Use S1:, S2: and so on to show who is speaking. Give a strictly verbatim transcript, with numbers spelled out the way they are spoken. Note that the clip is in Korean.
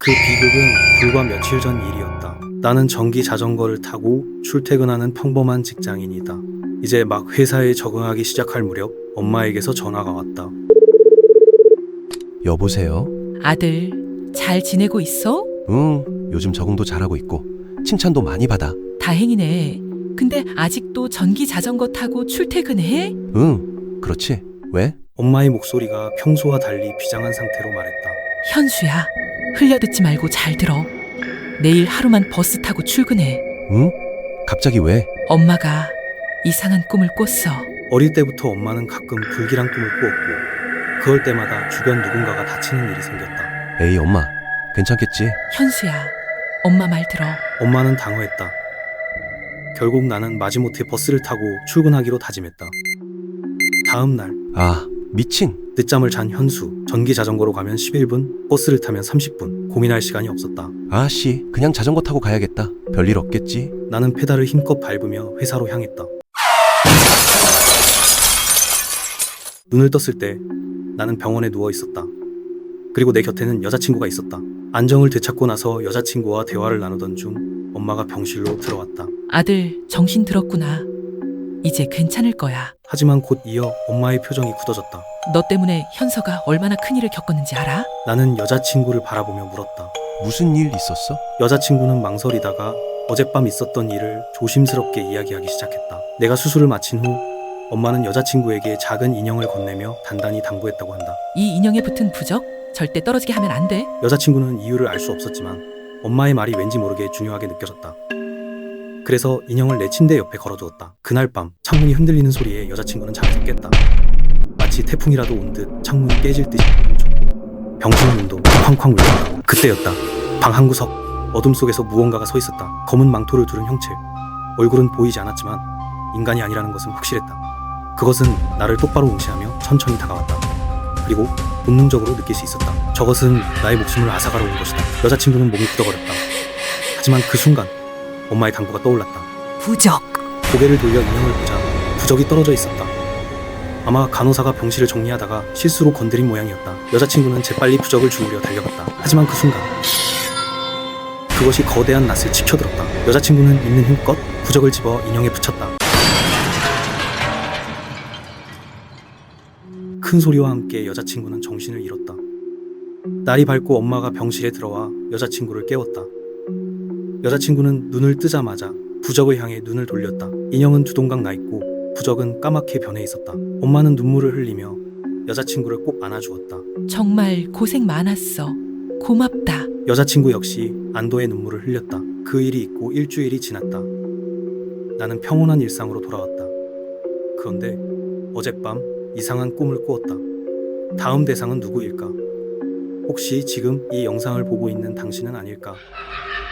S1: 그 비극은 불과 며칠 전 일이었다. 나는 전기 자전거를 타고 출퇴근하는 평범한 직장인이다. 이제 막 회사에 적응하기 시작할 무렵 엄마에게서 전화가 왔다.
S2: 여보세요?
S3: 아들, 잘 지내고 있어?
S2: 응, 요즘 적응도 잘하고 있고 칭찬도 많이 받아.
S3: 다행이네. 근데 아직도 전기 자전거 타고 출퇴근해?
S2: 응, 그렇지. 왜?
S1: 엄마의 목소리가 평소와 달리 비장한 상태로 말했다.
S3: 현수야, 흘려듣지 말고 잘 들어. 내일 하루만 버스 타고 출근해.
S2: 응? 갑자기 왜?
S3: 엄마가 이상한 꿈을 꿨어.
S1: 어릴 때부터 엄마는 가끔 불길한 꿈을 꾸었고 그럴 때마다 주변 누군가가 다치는 일이 생겼다.
S2: 에이 엄마, 괜찮겠지?
S3: 현수야, 엄마 말 들어.
S1: 엄마는 당황했다. 결국 나는 마지못해 버스를 타고 출근하기로 다짐했다. 다음 날
S2: 아, 미친.
S1: 늦잠을 잔 현수. 전기 자전거로 가면 십일 분, 버스를 타면 삼십 분. 고민할 시간이 없었다.
S2: 아씨, 그냥 자전거 타고 가야겠다. 별일 없겠지?
S1: 나는 페달을 힘껏 밟으며 회사로 향했다. 눈을 떴을 때 나는 병원에 누워 있었다. 그리고 내 곁에는 여자친구가 있었다. 안정을 되찾고 나서 여자친구와 대화를 나누던 중 엄마가 병실로 들어왔다.
S3: 아들, 정신 들었구나. 이제 괜찮을 거야.
S1: 하지만 곧 이어 엄마의 표정이 굳어졌다.
S3: 너 때문에 현서가 얼마나 큰일을 겪었는지 알아?
S1: 나는 여자친구를 바라보며 물었다.
S2: 무슨 일 있었어?
S1: 여자친구는 망설이다가 어젯밤 있었던 일을 조심스럽게 이야기하기 시작했다. 내가 수술을 마친 후 엄마는 여자친구에게 작은 인형을 건네며 단단히 당부했다고 한다.
S3: 이 인형에 붙은 부적 절대 떨어지게 하면 안 돼.
S1: 여자친구는 이유를 알 수 없었지만 엄마의 말이 왠지 모르게 중요하게 느껴졌다. 그래서 인형을 내 침대 옆에 걸어두었다. 그날 밤 창문이 흔들리는 소리에 여자친구는 잠에서 깼다. 마치 태풍이라도 온 듯 창문이 깨질 듯이 멈췄고 병실 문도 쾅쾅 울렸다. 그때였다. 방 한 구석 어둠 속에서 무언가가 서 있었다. 검은 망토를 두른 형체. 얼굴은 보이지 않았지만 인간이 아니라는 것은 확실했다. 그것은 나를 똑바로 응시하며 천천히 다가왔다. 그리고 본능적으로 느낄 수 있었다. 저것은 나의 목숨을 앗아가러 온 것이다. 여자친구는 몸이 굳어버렸다. 하지만 그 순간 엄마의 당부가 떠올랐다.
S3: 부적.
S1: 고개를 돌려 인형을 보자 부적이 떨어져 있었다. 아마 간호사가 병실을 정리하다가 실수로 건드린 모양이었다. 여자친구는 재빨리 부적을 주우려 달려갔다. 하지만 그 순간 그것이 거대한 낫을 치켜들었다. 여자친구는 있는 힘껏 부적을 집어 인형에 붙였다. 큰 소리와 함께 여자친구는 정신을 잃었다. 날이 밝고 엄마가 병실에 들어와 여자친구를 깨웠다. 여자친구는 눈을 뜨자마자 부적을 향해 눈을 돌렸다. 인형은 두 동강 나 있고 부적은 까맣게 변해 있었다. 엄마는 눈물을 흘리며 여자친구를 꼭 안아주었다.
S3: 정말 고생 많았어. 고맙다.
S1: 여자친구 역시 안도의 눈물을 흘렸다. 그 일이 있고 일주일이 지났다. 나는 평온한 일상으로 돌아왔다. 그런데 어젯밤 이상한 꿈을 꾸었다. 다음 대상은 누구일까? 혹시 지금 이 영상을 보고 있는 당신은 아닐까?